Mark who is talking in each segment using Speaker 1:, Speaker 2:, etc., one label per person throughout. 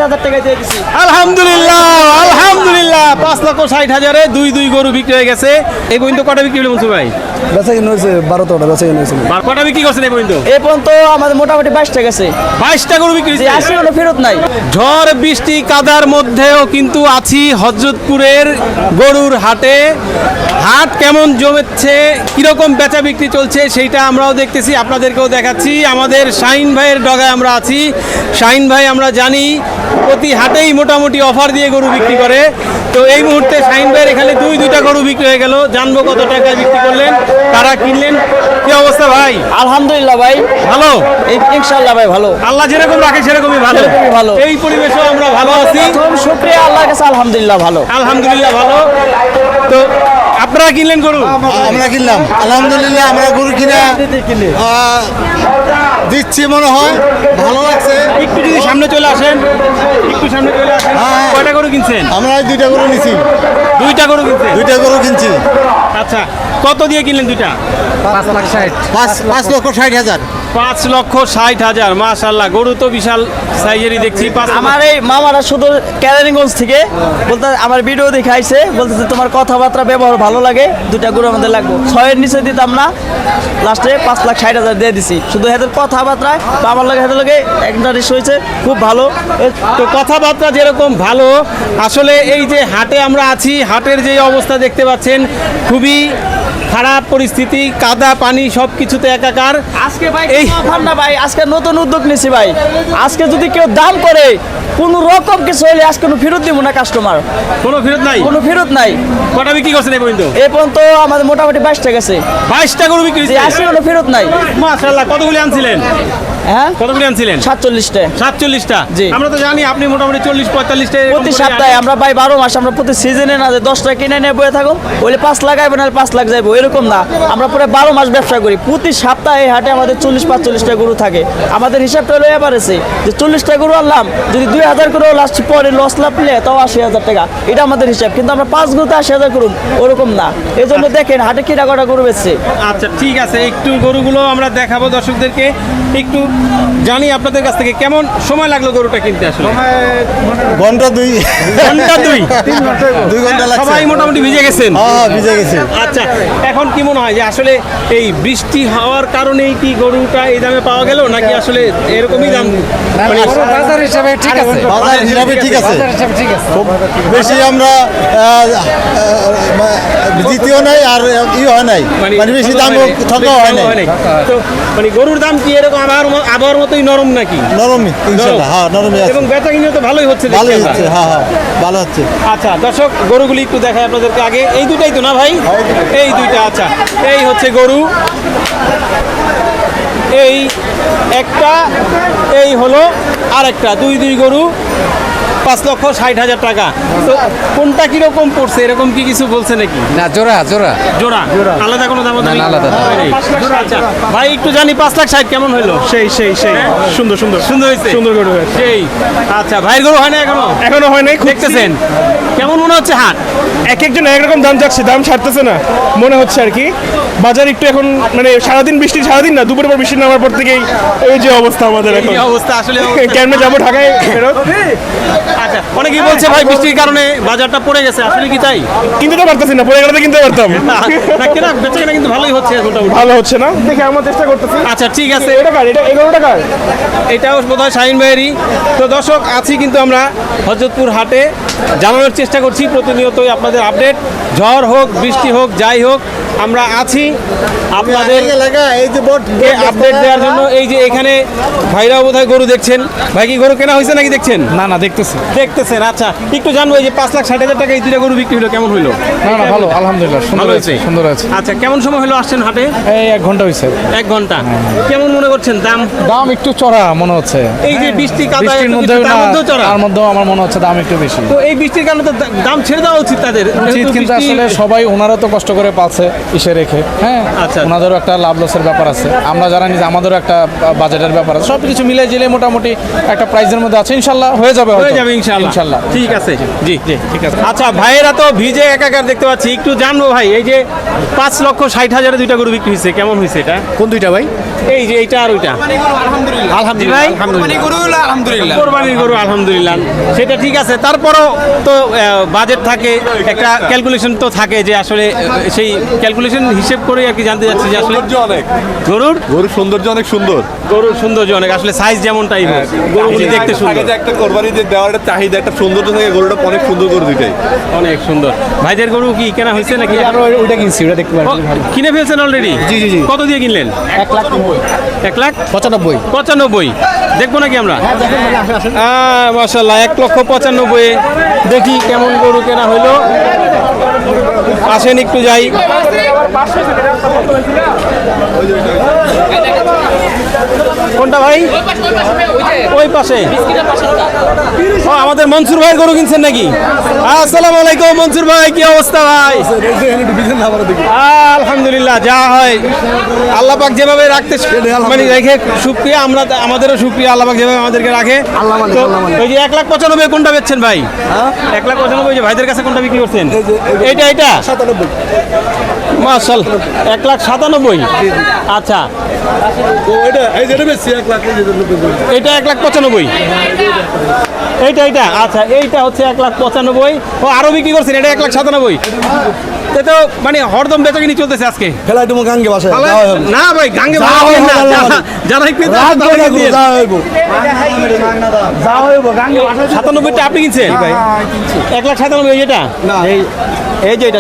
Speaker 1: 60,000 টাকায় দিয়ে দিছি।
Speaker 2: আলহামদুলিল্লাহ আলহামদুলিল্লাহ 5,60,000-এ দুই গরু বিক্রি হয়ে গেছে। এই পর্যন্ত কটা বিক্রি হলো মনসুর ভাই?
Speaker 3: বেচা কিনে হয়েছে 12টা বেচা কিনে হয়েছে।
Speaker 2: কটা বিক্রি করছেন এই পর্যন্ত?
Speaker 1: এই পর্যন্ত আমাদের মোটামুটি 22টা গেছে।
Speaker 2: 22টা গরু বিক্রি হয়েছে।
Speaker 1: 80 কোনো ফেরত নাই।
Speaker 2: ঝড় বৃষ্টি কাদার মধ্যেও কিন্তু আছি হযরতপুরের গরুর হাটে। হাট কেমন জমেছে, কিরকম বেচা বিক্রি চলছে সেইটা আমরাও দেখতেছি, আপনাদেরকেও দেখাচ্ছি। আমাদের শাহিন ভাইয়ের ডগায় আমরা আছি। শাহিন ভাই আমরা জানি প্রতি হাটেই মোটামুটি অফার দিয়ে গরু বিক্রি করে। তো এই মুহূর্তে শাহিন ভাইয়ের এখানে দুইটা গরু বিক্রি হয়ে গেল। জানবো কত টাকায় বিক্রি করলেন, কারা কিনলেন, কি অবস্থা ভাই?
Speaker 1: আলহামদুলিল্লাহ ভাই
Speaker 2: ভালো,
Speaker 1: ইনশাআল্লাহ ভাই ভালো।
Speaker 2: আল্লাহ যেরকম রাখে সেরকমই ভালো।
Speaker 1: সেরকমই ভালো।
Speaker 2: এই পরিবেশেও আমরা ভালো আছি।
Speaker 1: শুকরিয়া আল্লাহর কাছে, আলহামদুলিল্লাহ ভালো।
Speaker 2: আলহামদুলিল্লাহ ভালো। তো আপনারা কিনলেন গরু?
Speaker 3: আমরা কিনলাম আলহামদুলিল্লাহ। আমরা গরু কিনা দিচ্ছি, মনে হয় ভালো লাগছে।
Speaker 2: একটু যদি সামনে চলে আসেন, একটু সামনে চলে আসেন।
Speaker 3: হ্যাঁ।
Speaker 2: কয়টা গরু কিনছেন?
Speaker 3: আমরা 2টা গরু নিছি।
Speaker 2: দুইটা গরু কিনছেন?
Speaker 3: 2টা গরু কিনছি।
Speaker 2: আচ্ছা, কত দিয়ে কিনলেন দুইটা?
Speaker 3: 5,60,000।
Speaker 2: 5,60,000। মাশাআল্লাহ, গরু তো বিশাল সাইজেরই দেখছি।
Speaker 1: আমার এই মামারা শুধু ক্যারানিগঞ্জ থেকে বলতে আমার ভিডিও দেখে আইছে, বলতেছে তোমার কথাবার্তা ব্যবহার ভালো লাগে, 2টা গরু আমাদের লাগবে। 6-এর নিচে দিতাম না, লাস্টে 5,60,000 দিয়ে দিছি। শুধু এদের কথাবার্তায় বা আমার লাগে এদের লাগে একটা রিস হয়েছে, খুব ভালো।
Speaker 2: তো কথাবার্তা যেরকম ভালো, আসলে এই যে হাটে আমরা আছি, হাটের যে অবস্থা দেখতে পাচ্ছেন, খুবই খারাপ পরিস্থিতি, কাদা পানি সব কিছুতে একাকার।
Speaker 1: আজকে ভাই
Speaker 2: এই
Speaker 1: অফার না ভাই, আজকে নতুন উদ্যোগ নিছি ভাই। আজকে যদি কেউ দাম করে কোনো রকম কিছু হইলে আজকে কোনো ফেরত দিব না কাস্টমার,
Speaker 2: কোনো ফেরত নাই?
Speaker 1: কোনো ফেরত নাই।
Speaker 2: কটা বিক্রি করছেন এই পর্যন্ত?
Speaker 1: এই পর্যন্ত আমাদের মোটামুটি 22টা গেছে।
Speaker 2: 22টা গরু বিক্রি হয়েছে।
Speaker 1: 80 কোনো ফেরত নাই।
Speaker 2: মাশাআল্লাহ, কতগুলি আনছিলেন?
Speaker 1: হ্যাঁ,
Speaker 2: কতগুলি আনছিলেন?
Speaker 1: 47টা।
Speaker 2: 47টা।
Speaker 1: জি।
Speaker 2: আমরা তো জানি আপনি মোটামুটি 40-45টা
Speaker 1: প্রতি সপ্তাহে আমরা ভাই 12 মাস আমরা প্রতি সিজনে না যে 10টা কিনে নিয়ে বয়ে থাকো, বলে 5 লাগাইবো না 5 লাখ যাইবো, এরকম না। আমরা পুরো 12 মাস ব্যবসা করি। প্রতি সপ্তাহে এই হাটে আমাদের 40-45টা গরু থাকে। আমাদের হিসাবটা হলো এবারেছে যে 40টা গরু আনলাম, যদি 2,000 করে লাস্ট পরে লস লাভ পেলে তাও 80,000 টাকা, এটা আমাদের হিসাব। কিন্তু আমরা 5 গরুতে 80,000 করুন, ওরকম না। এই জন্য দেখেন হাটে কিনা কটা গরু বেচছে।
Speaker 2: আচ্ছা ঠিক আছে, একটু গরুগুলো আমরা দেখাবো দর্শকদেরকে। একটু জানি আপনাদের কাছ থেকে কেমন সময় লাগলো গরুটা কিনতে? আসলে
Speaker 3: ঘন্টা 2 2 ঘন্টা লাগছে।
Speaker 2: সবাই মোটামুটি ভিজে গেছেন?
Speaker 3: হ্যাঁ, ভিজে গেছে।
Speaker 2: আচ্ছা, এখন কি মনে হয় যে আসলে এই বৃষ্টি হওয়ার কারণেই কি গরুটা এই দামে পাওয়া গেল, নাকি আসলে এরকমই দাম?
Speaker 4: বাজার হিসাবে ঠিক আছে।
Speaker 3: বাজার হিসাবে ঠিক আছে। খুব বেশি আমরা দ্বিতীয় নাই আর হয় নাই, মানে বেশি দাম ঠকা হয় নাই।
Speaker 2: তো মানে গরুর দাম কি এরকম আবহাওয়ার মতোই নরম নাকি?
Speaker 3: নরম ইনশাআল্লাহ, হ্যাঁ নরমই আছে।
Speaker 2: এবং বেচা কিনে তো ভালোই হচ্ছে, দেখছি
Speaker 3: ভালোই
Speaker 2: আমরা।
Speaker 3: হচ্ছে, হ্যাঁ হ্যাঁ ভালো হচ্ছে।
Speaker 2: আচ্ছা দর্শক, গরুগুলি একটু দেখাই আপনাদেরকে আগে। এই দুটাই তো না ভাই? এই দুইটা। আচ্ছা, এই হচ্ছে গরু, এই একটা, এই হলো আরেকটা। দুই গরু, 5,60,000 টাকা। তো কোনটা কিরকম পড়ছে, এরকম কি কিছু বলছে নাকি?
Speaker 4: না, জোড়া জোড়া
Speaker 2: জোড়া আলাদা কোনো দাম?
Speaker 4: না, আলাদা দাম।
Speaker 2: আচ্ছা ভাই, একটু জানি 5,60,000 কেমন হইলো?
Speaker 5: সেই সুন্দর
Speaker 2: হয়েছে,
Speaker 5: সুন্দর গরু হয়েছে।
Speaker 2: সেই। আচ্ছা, ভাইয়ের গরু হয় না
Speaker 5: এখনো হয় নাই,
Speaker 2: দেখতেছেন কেমন মনে হচ্ছে হাট?
Speaker 5: এক একজন একরকম দাম যাচ্ছে, দাম ছাড়তেছে না মনে হচ্ছে আর কি। বাজার একটু এখন মানে সারাদিন বৃষ্টি, সারাদিন না দুপুরের পর বৃষ্টি নামার পর থেকেই এই যে অবস্থা আমাদের এখন।
Speaker 2: এই অবস্থা আসলে
Speaker 5: কেমনে যাবো ঢাকায় ফেরত?
Speaker 2: আচ্ছা, অনেকেই বলছে ভাই বৃষ্টির কারণে বাজারটা পড়ে গেছে, আসলে কি তাই?
Speaker 5: কিনতে তো পারতেছি না, পরে গেলে কিনতে পারতাম।
Speaker 2: না কেনা বেচা কেনা কিন্তু ভালোই হচ্ছে মোটামুটি।
Speaker 5: ভালো হচ্ছে না, দেখে আমার চেষ্টা করতেছি।
Speaker 2: আচ্ছা ঠিক আছে,
Speaker 5: এটা কার? এটা 11 টাকার।
Speaker 2: এটাও বোধহয় শাহিন ভাইয়েরই। তো দর্শক, আছি কিন্তু আমরা হযরতপুর হাটে, জানানোর চেষ্টা করছি প্রতিনিয়তই আপনাদের আপডেট। ঝড় হোক, বৃষ্টি হোক, যাই হোক, আমরা আছি আপনাদের
Speaker 3: এই যে
Speaker 2: আপডেট দেওয়ার জন্য। এই যে এখানে ভাইরাও বোধহয় গরু দেখছেন। ভাই কি গরু কেনা হয়েছে নাকি দেখছেন?
Speaker 5: না দেখতেছি।
Speaker 2: দেখতেছেন। আচ্ছা, একটু জানবো, এই যে 5,60,000 টাকা এই দুইটা গরু বিক্রি হলো, কেমন হলো?
Speaker 4: না ভালো, আলহামদুলিল্লাহ
Speaker 2: ভালো হয়েছে।
Speaker 4: সুন্দর আছে।
Speaker 2: আচ্ছা, কেমন সময় হলো আসছেন হাটে?
Speaker 4: এই 1 ঘন্টা হয়েছে।
Speaker 2: 1 ঘন্টা। কেমন মনে করছেন দাম?
Speaker 4: দাম একটু চড়া মনে হচ্ছে।
Speaker 2: এই যে বৃষ্টি কাদা
Speaker 4: বৃষ্টির মধ্যে
Speaker 2: তার মধ্যেও চড়া।
Speaker 4: তার মধ্যেও আমার মনে হচ্ছে দাম একটু বেশি।
Speaker 2: তো এই বৃষ্টির কারণে তো দাম ছেড়ে দেওয়া উচিত তাদের
Speaker 4: উচিত,
Speaker 2: যেহেতু
Speaker 4: কিন্তু
Speaker 2: বৃষ্টি-
Speaker 4: আসলে সবাই ওনারা তো কষ্ট করে পাচ্ছে ইসে রেখে, হ্যাঁ
Speaker 2: আচ্ছা।
Speaker 4: ওনাদেরও একটা লাভ লসের ব্যাপার আছে, আমরা যারা নিজে আমাদেরও একটা বাজেটের ব্যাপার আছে, সব কিছু মিলে জিলে মোটামুটি একটা প্রাইজের মধ্যে আছে, ইনশাল্লাহ হয়ে যাবে
Speaker 2: হয়ে
Speaker 4: হয়তো।
Speaker 2: যাবে ইনশাআল্লাহ
Speaker 4: ইনশাল্লাহ
Speaker 2: ঠিক আছে জি জি ঠিক আছে। আচ্ছা ভাইয়েরা তো ভিজে একাকার দেখতে পাচ্ছি, একটু জানবো ভাই এই যে 5,60,000 দুইটা গরু বিক্রি হয়েছে, কেমন হয়েছে এটা?
Speaker 3: কোন দুইটা ভাই?
Speaker 2: এই যে এইটা আর ওইটা আলহামদুলিল্লাহ আলহামদুলিল্লাহ কোরবানির গরু আলহামদুলিল্লাহ, সেটা ঠিক আছে। তারপরও তো বাজেট থাকে, একটা ক্যালকুলেশন তো থাকে যে আসলে সেই ক্যালকুলেশন হিসেব করে আর কি জানতে যাচ্ছি যে আসলে গরুর
Speaker 6: গরুর সৌন্দর্য অনেক সুন্দর।
Speaker 2: গরুর সৌন্দর্য অনেক, আসলে সাইজ যেমনটাই হোক গরুগুলি দেখতে
Speaker 6: আগে
Speaker 2: সুন্দর,
Speaker 6: যে একটা কোরবানি যে দেওয়ার একটা চাহিদা, একটা সৌন্দর্য থাকে, গরুটা অনেক সুন্দর গরু দুইটাই।
Speaker 2: অনেক সুন্দর। ভাইদের গরু কি কেনা হয়েছে নাকি?
Speaker 4: ওইটা কিনছি, ওটা দেখতে
Speaker 2: ও, কিনে ফেলছেন অলরেডি?
Speaker 4: জি, জি, জি।
Speaker 2: কত দিয়ে কিনলেন?
Speaker 4: 1,95,000
Speaker 2: 1,95,000 দেখবো নাকি আমরা? মাশাআল্লাহ 1,95,000 দেখি কেমন গরু কেনা হইলো। আসেন একটু যাই। কোনটা ভাই? ওই পাশে। ও, আমাদের মনসুর ভাই গরু কিনছেন নাকি? আসসালামু আলাইকুম মনসুর ভাই, কি অবস্থা ভাই? আলহামদুলিল্লাহ, যা হয় আল্লাহ পাক যেভাবে রাখতে মানে রেখে শুকরিয়া, আমরা আমাদেরও শুকরিয়া, আল্লাহ পাক যেভাবে আমাদেরকে রাখে। তো ওই যে 1,95,000 কোনটা বেচছেন ভাই? 1,95,000 যে ভাইদের কাছে কোনটা বিক্রি করছেন? এটা মাশাআল্লাহ 1,97,000। আচ্ছা এটা 1,95,000। এইটা আচ্ছা, এইটা হচ্ছে 1,95,000। ও আরো বিক্রি করছেন, এটা 1,97,000। তো মানে হরদম বেচাকিনি চলতেছে আজকে।
Speaker 3: খেলায় তুমি গাঙ্গে বাসায়
Speaker 2: না ভাই গাঙ্গে ভালো হয় না, যারা ক্রেতা আছে তারাই দিয়ে। 97টা আপনি কিনছেন? 1,97,000 এটা? এই যে এটা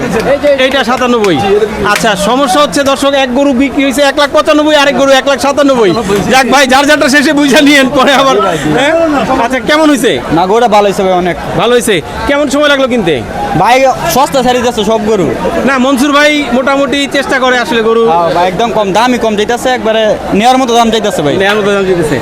Speaker 2: 97। আচ্ছা সমস্যা হচ্ছে দর্শক, এক গরু বিক্রি হয়েছে 1,95,000, আরেক গরু 1,97,000। যাক ভাই, যার যারটা শেষে বুঝা নিয়েন পরে আবার। হ্যাঁ? আচ্ছা কেমন হয়েছে?
Speaker 1: না গরুটা ভালো হয়েছে ভাই, অনেক
Speaker 2: ভালো হয়েছে। কেমন সময় লাগলো কিনতে?
Speaker 1: ভাই সস্তা ছাড়ি যাচ্ছে সব গরু।
Speaker 2: না মনসুর ভাই মোটামুটি চেষ্টা করে আসলে গরু
Speaker 1: ভাই একদম কম দামই কম যাইতেছে, একবারে নেওয়ার মতো দাম যাইতেছে ভাই।
Speaker 2: নেওয়ার মতো দাম দিতেছে।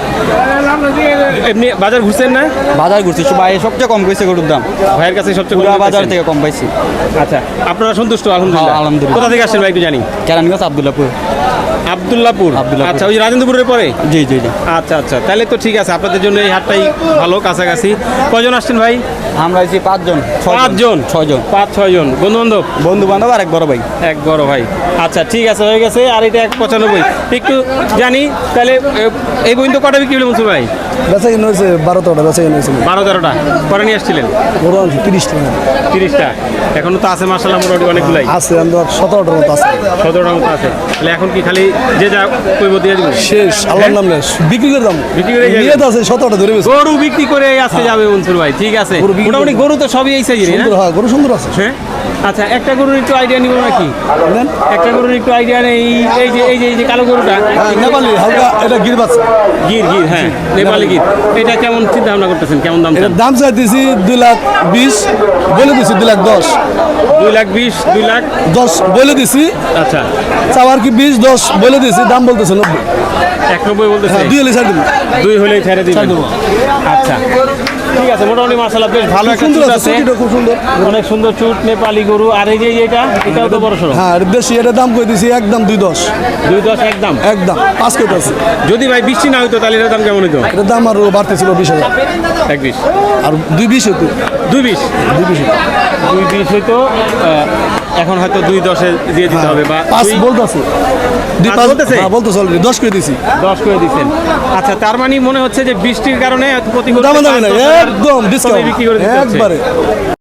Speaker 2: এমনি বাজার ঘুরছেন না?
Speaker 1: বাজার ঘুরছি, ভাই সবচেয়ে কম কইছে গরুর দাম,
Speaker 2: ভাইয়ের কাছে সবচেয়ে
Speaker 1: পুরা
Speaker 2: কম
Speaker 1: বাজার
Speaker 2: পাইছেন?
Speaker 1: থেকে কম পাইছি।
Speaker 2: আচ্ছা আপনারা সন্তুষ্ট? আলহামদুলিল্লাহ।
Speaker 1: হ্যাঁ, আলহামদুলিল্লাহ।
Speaker 2: কোথা থেকে আসছেন ভাই একটু জানি?
Speaker 1: কেরানীগঞ্জ আব্দুল্লাপুর।
Speaker 2: আব্দুল্লাপুর।
Speaker 1: আব্দুল্লাপুর।
Speaker 2: আচ্ছা ওই যে রাজেন্দ্রপুরের পরে?
Speaker 1: জি জি জি।
Speaker 2: আচ্ছা আচ্ছা, তাহলে তো ঠিক আছে, আপনাদের জন্য এই হাটটাই ভালো, কাছাকাছি। কয়জন আসছেন ভাই?
Speaker 1: আমরা হয়েছি 5 জন।
Speaker 2: 5 জন।
Speaker 1: 6 জন
Speaker 2: 5-6 জন বন্ধু বান্ধব?
Speaker 1: বন্ধু বান্ধব আর এক বড় ভাই।
Speaker 2: এক বড় ভাই। আচ্ছা ঠিক আছে, হয়ে গেছে। আর এটা 1,95 একটু জানি তাহলে। এই পর্যন্ত কটা বিক্রি হলো মনসুর ভাই?
Speaker 3: বেচা কিনে হয়েছে 12-13টা বেচা কিনে হয়েছে
Speaker 2: 12-13টা পরে নিয়ে আসছিলেন?
Speaker 3: 30টা
Speaker 2: 30টা এখনো তো আছে মাশাআল্লাহ, মোটামুটি অনেকগুলাই
Speaker 3: আছে, আমরা 17টার মতো আছে।
Speaker 2: 17টার মতো আছে। তাহলে এখন কি খালি যে যা কইব দিয়ে দিব?
Speaker 3: শেষ, আল্লাহর নাম নেই, বিক্রি করে দাম
Speaker 2: বিক্রি করে যাবে?
Speaker 3: নিয়ে তো আছে 17টা ধরে বেশি।
Speaker 2: গরু বিক্রি করে আজকে যাবে মনসুর ভাই, ঠিক আছে।
Speaker 3: গরু বিক্রি
Speaker 2: মোটামুটি গরু তো সবই এই সাইজেরই না?
Speaker 3: সুন্দর, হ্যাঁ গরু সুন্দর আছে।
Speaker 2: হ্যাঁ আচ্ছা, একটা গরুর একটু আইডিয়া নিব নাকি?
Speaker 3: নেন।
Speaker 2: একটা গরুর একটু আইডিয়া নেই। এই যে কালো গরুটা
Speaker 3: হ্যাঁ নেপালি হালকা, এটা গির বাচ্চা।
Speaker 2: গির হ্যাঁ নেপালি গির। এটা কেমন চিন্তা ভাবনা করতেছেন, কেমন দাম চান?
Speaker 3: এটার দাম চাইতেছি 2,20,000, বলে দিছি 2,10,000।
Speaker 2: 2,20,000 2,00,000
Speaker 3: বলে দিছি,
Speaker 2: আচ্ছা
Speaker 3: চাওয়ার কি 20-10 বলে দিছি, দাম বলতেছে 90।
Speaker 2: 190 বলতেছে।
Speaker 3: হ্যাঁ 2 হলে ছাড় দিবো।
Speaker 2: 2 হলেই ছেড়ে দিবেন।
Speaker 3: ছাড় দেবো।
Speaker 2: আচ্ছা ঠিক আছে, মোটামুটি মাশাআল্লাহ বেশ ভালো একটা
Speaker 3: সুন্দর
Speaker 2: চুট
Speaker 3: আছে,
Speaker 2: আছে,
Speaker 3: চুটিটা খুব সুন্দর।
Speaker 2: অনেক সুন্দর চুট নেপালি গরু। আর এই যে এটাও তো বড় সড়ো।
Speaker 3: হ্যাঁ দেশি, এটা দাম কই দিছি একদম 2,10।
Speaker 2: 2,10 একদম।
Speaker 3: একদম 5 কেজি আছে।
Speaker 2: যদি ভাই বৃষ্টি না হইতো তাহলে এটার দাম কেমন হইতো?
Speaker 3: এটার দাম আরো বাড়তেছিল 20,000,
Speaker 2: 1,20
Speaker 3: আর 2,20 হতো।
Speaker 2: 2,20 2,20 হইতো। এখন হয়তো 2,10 দিয়ে দিতে হবে বা
Speaker 3: 5 বলতেছে,
Speaker 2: 5 বলতেছে?
Speaker 3: হ্যাঁ বলতেছে অলরেডি 10 করে দিছি।
Speaker 2: 10 করে দিচ্ছেন। আচ্ছা তার মানে মনে হচ্ছে যে বৃষ্টির কারণে প্রতি গরুতে
Speaker 3: দাম দাম
Speaker 2: 5-10
Speaker 3: না,
Speaker 2: হাজার
Speaker 3: একদম
Speaker 2: কমে
Speaker 3: ডিসকাউন্ট
Speaker 2: বিক্রি করে দিতে হচ্ছে।
Speaker 3: একবারে।